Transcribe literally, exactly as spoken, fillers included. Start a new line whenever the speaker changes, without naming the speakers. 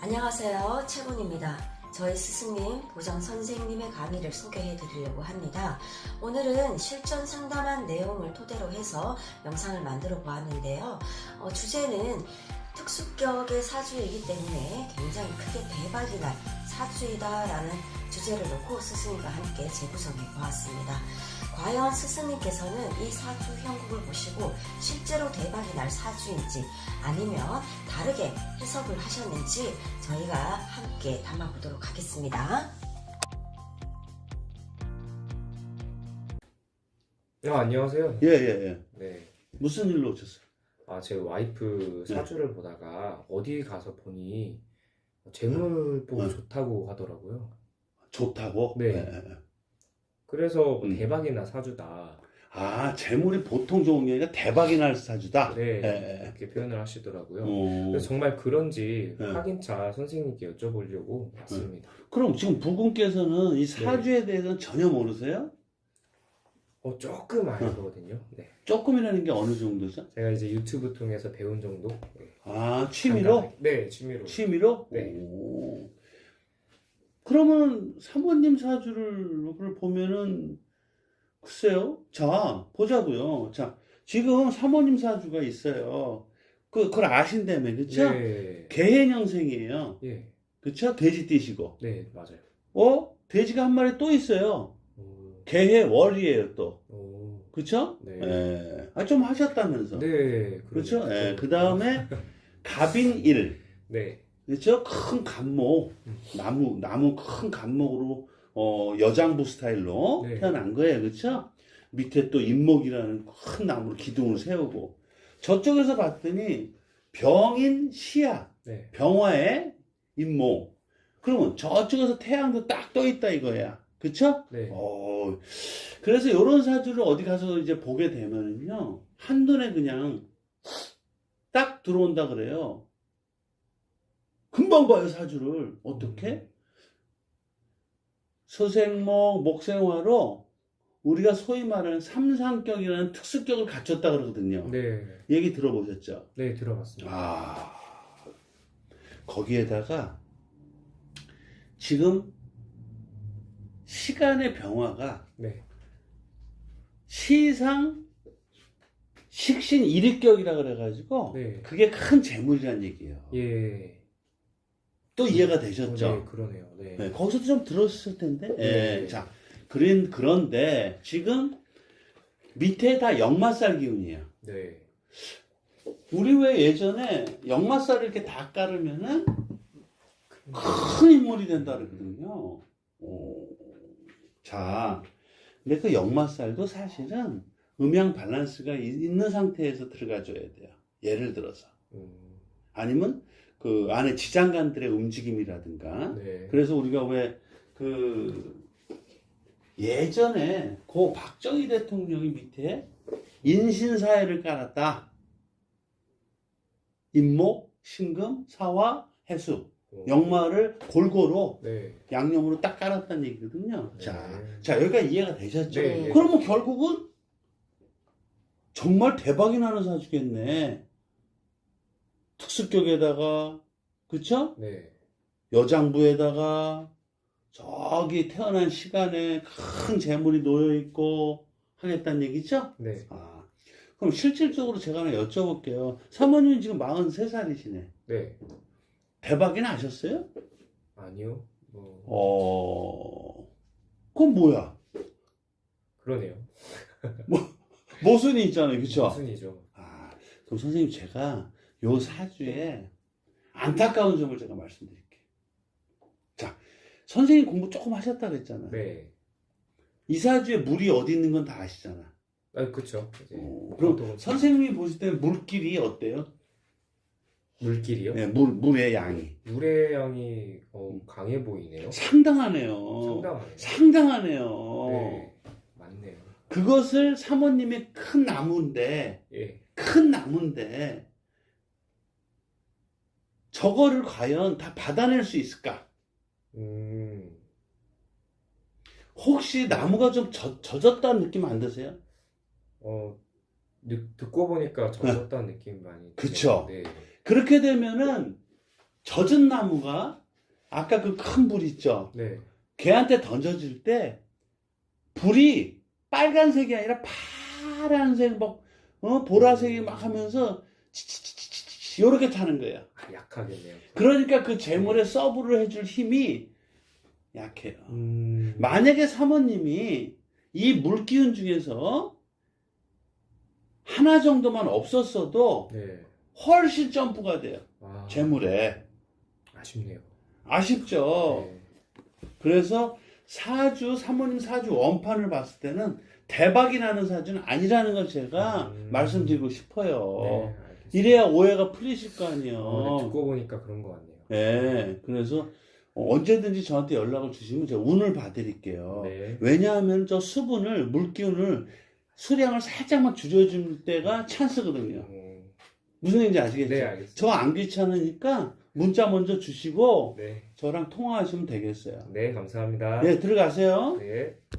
안녕하세요, 채군입니다. 저희 스승님, 보장 선생님의 강의를 소개해 드리려고 합니다. 오늘은 실전 상담한 내용을 토대로 해서 영상을 만들어 보았는데요. 어, 주제는 특수격의 사주이기 때문에 굉장히 크게 대박이 날 사주이다라는 주제를 놓고 스승님과 함께 재구성해 보았습니다. 과연 스승님께서는 이 사주 형국을 보시고 실제로 대박이 날 사주인지 아니면 다르게 해석을 하셨는지 저희가 함께 담아보도록 하겠습니다.
아, 안녕하세요.
예, 예, 예.
네.
무슨 일로 오셨어요?
아, 제 와이프 사주를 보다가 어디 가서 보니 재물 보기
네.
좋다고 하더라고요.
좋다고?
네.
예, 예.
그래서 뭐
음.
대박이나 사주다.
아, 재물이 보통 좋은 게 아니라 대박이 날 사주다?
네.
예, 예.
이렇게 표현을 하시더라고요.
어,
그래서 정말 그런지
네.
확인차 선생님께 여쭤보려고 왔습니다.
그럼 지금 부군께서는 이 사주에 대해서는 전혀 모르세요?
어, 조금 알거든요. 네.
조금이라는 게 어느 정도죠?
제가 이제 유튜브 통해서 배운 정도? 네.
아, 취미로?
간단하게. 네, 취미로.
취미로?
네.
오. 그러면 사모님 사주를 보면은 글쎄요. 자, 보자고요. 자, 지금 사모님 사주가 있어요. 그, 그걸 아신다며, 그쵸?
네.
개해년생이에요.
예.
그쵸? 돼지띠시고.
네, 맞아요.
어? 돼지가 한 마리 또 있어요.
오.
개해월이에요, 또.
오.
그쵸?
네.
예. 아, 좀 하셨다면서.
네.
그렇죠?
그러네요.
예. 그 다음에 갑인일.
네.
그렇죠? 큰 갑목. 나무, 나무 큰 갑목으로, 어, 여장부 스타일로
네.
태어난 거예요. 그렇죠? 밑에 또 인목이라는 큰 나무로 기둥을 세우고. 저쪽에서 봤더니 병인 시야.
네.
병화의 인목. 그러면 저쪽에서 태양도 딱 떠 있다 이거야. 그쵸?
네.
어, 그래서 이런 사주를 어디 가서 이제 보게 되면은요, 한눈에 그냥 딱 들어온다 그래요. 금방 봐요, 사주를. 어떻게? 서생목, 목생화로 우리가 소위 말하는 삼상격이라는 특수격을 갖췄다 그러거든요.
네.
얘기 들어보셨죠?
네, 들어봤습니다.
아, 거기에다가 지금 시간의 변화가
네.
시상 식신 일익격이라 그래가지고
네.
그게 큰 재물이란 얘기예요.
예.
또 이해가
어,
되셨죠?
네, 그러네요. 네.
네, 거기서도 좀 들었을 텐데.
네.
예, 자, 그런 그런데 지금 밑에 다 역마살 기운이에요.
네.
우리 왜 예전에 역마살을 이렇게 다 깔으면은 큰 인물이 된다 그러거든요. 오. 자, 근데 그 역마살도 사실은 음양 밸런스가 이- 있는 상태에서 들어가줘야 돼요. 예를 들어서.
음,
아니면 그 안에 지장간들의 움직임이라든가.
네.
그래서 우리가 왜 그 예전에 고 박정희 대통령이 밑에 인신사회를 깔았다. 인목, 신금, 사화, 해수.
어,
역마를 골고루
네.
양념으로 딱 깔았다는 얘기거든요.
네.
자, 자, 여기까지 이해가 되셨죠?
네.
그러면 결국은 정말 대박이 나는 사주겠네. 특수격에다가, 그쵸?
네.
여장부에다가, 저기 태어난 시간에 큰 재물이 놓여있고 하겠다는 얘기죠?
네.
아, 그럼 실질적으로 제가 하나 여쭤볼게요. 사모님은 지금 마흔세 살이시네.
네.
대박이 나셨어요?
아니요. 뭐
어, 그건 뭐야?
그러네요.
모순이 있잖아요. 그쵸?
무슨이죠?
아, 그럼 선생님 제가 요 사주에 안타까운 점을 제가 말씀드릴게요. 자, 선생님 공부 조금 하셨다 그랬잖아요.
네.
이 사주에 물이 어디 있는 건 다 아시잖아.
아, 그쵸. 이제
어, 그럼
보통은
선생님이 보실 때 물길이 어때요?
물길이요?
네, 물, 물의 양이.
물의 양이 어, 강해 보이네요.
상당하네요.
상당하네요.
상당하네요.
네. 맞네요.
그것을 사모님의 큰 나무인데,
예.
큰 나무인데, 저거를 과연 다 받아낼 수 있을까?
음.
혹시 나무가 좀 젖, 젖었다는 느낌 안 드세요?
어, 듣- 듣고 보니까 젖었다는 느낌이 많이
그쵸.
드네요. 네.
그렇게 되면은 젖은 나무가 아까 그 큰 불 있죠?
네.
걔한테 던져질 때 불이 빨간색이 아니라 파란색 막 어? 보라색이 막 하면서 치치치치치 요렇게 타는 거예요.
아, 약하겠네요.
그러니까 그 재물에 서브를 해줄 힘이 약해요.
음.
만약에 사모님이 이 물기운 중에서 하나 정도만 없었어도
네.
훨씬 점프가 돼요.
아,
재물에.
아쉽네요.
아쉽죠.
네.
그래서 사주, 사모님 사주 원판을 봤을 때는 대박이 나는 사주는 아니라는 걸 제가
음.
말씀드리고 싶어요.
네, 알겠습니다.
이래야 오해가 풀리실 거 아니에요.
어, 네, 듣고 보니까 그런 것 같네요.
네, 그래서 언제든지 저한테 연락을 주시면 제가 운을 봐드릴게요.
네.
왜냐하면 저 수분을, 물기운을, 수량을 살짝만 줄여줄 때가 찬스거든요.
음,
무슨 얘기인지 아시겠죠?
네, 알겠습니다.
저 안 귀찮으니까 문자 먼저 주시고
네.
저랑 통화하시면 되겠어요.
네, 감사합니다.
네, 들어가세요.
네.